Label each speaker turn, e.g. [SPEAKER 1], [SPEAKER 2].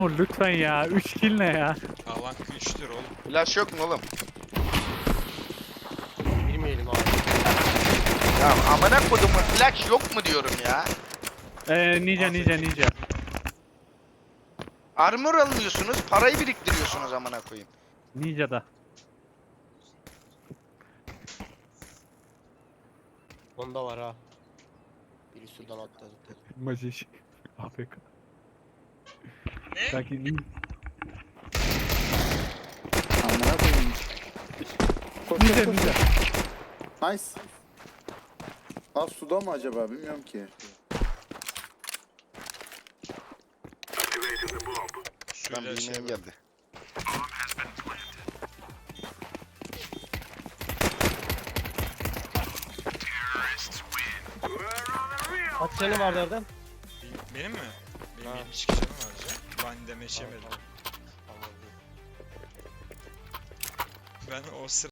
[SPEAKER 1] Lütfen ya. 3 kill ne ya?
[SPEAKER 2] Alan güçtür oğlum.
[SPEAKER 3] Flash yok mu oğlum?
[SPEAKER 4] Bilmeyelim abi.
[SPEAKER 3] Ya amına kodumun flash yok mu diyorum ya.
[SPEAKER 1] Ninja.
[SPEAKER 3] Armor alıyorsunuz, parayı biriktiriyorsunuz amına koyayım.
[SPEAKER 1] Ninja'da.
[SPEAKER 4] Onda var ha. Biri sudan atladı.
[SPEAKER 1] Maciş. AFK.
[SPEAKER 2] Ne?
[SPEAKER 1] Sanki
[SPEAKER 5] Amına koyayım. Koş
[SPEAKER 1] Ninja
[SPEAKER 5] koş koş.
[SPEAKER 1] ninja.
[SPEAKER 5] Nice. Aa suda mı acaba bilmiyorum ki.
[SPEAKER 3] Ben
[SPEAKER 2] Suyla şey
[SPEAKER 3] bilmeyen geldi.
[SPEAKER 4] Kaç tane vardı Erdem?
[SPEAKER 2] Benim mi? Benim
[SPEAKER 4] Ha.
[SPEAKER 2] 72 canım var canım. Ben demeç yemedim.
[SPEAKER 4] Tamam.
[SPEAKER 2] Ben o sıra